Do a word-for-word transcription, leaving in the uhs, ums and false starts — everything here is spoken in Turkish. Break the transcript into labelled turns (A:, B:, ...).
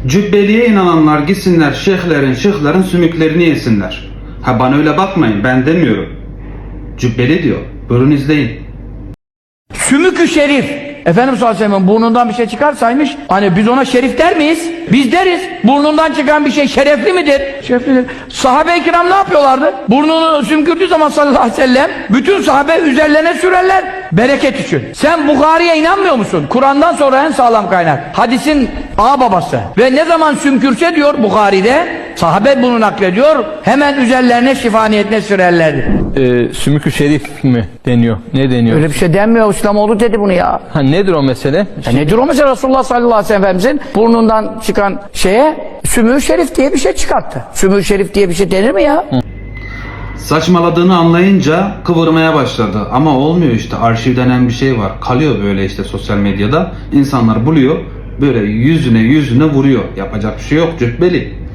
A: Cübbeliye inananlar gitsinler şeyhlerin, şıhların sümüklerini yesinler. Ha bana öyle bakmayın, ben demiyorum. Cübbeli diyor. Buyurun izleyin.
B: Sümükü şerif. Efendimiz sallallahu aleyhi ve sellem burnundan bir şey çıkarsaymış, hani biz ona şerif der miyiz? Biz deriz. Burnundan çıkan bir şey şerefli midir? Şereflidir. Sahabe-i kiram ne yapıyorlardı? Burnunu sümkürdüğü zaman sallallahu aleyhi ve sellem bütün sahabe üzerlerine sürerler bereket için. Sen Bukhari'ye inanmıyor musun? Kur'an'dan sonra en sağlam kaynak. Hadisin ağ babası. Ve ne zaman sümkürse diyor Bukhari'de, sahabe bunu naklediyor, hemen üzerlerine şifa niyetine sürerlerdi.
C: Ee, sümükü şerif mi deniyor? Ne deniyor?
B: Öyle bir şey denmiyor. İslamoğlu dedi bunu ya.
C: Ha, nedir o mesele?
B: Ya nedir o mesela? Resulullah sallallahu aleyhi ve sellem Efendimizin burnundan çıkan şeye sümü şerif diye bir şey çıkarttı. Sümü şerif diye bir şey denir mi ya? Hı.
A: Saçmaladığını anlayınca kıvırmaya başladı. Ama olmuyor işte. Arşiv denen bir şey var. Kalıyor böyle işte sosyal medyada. İnsanlar buluyor. Böyle yüzüne yüzüne vuruyor. Yapacak bir şey yok. Cübbeli.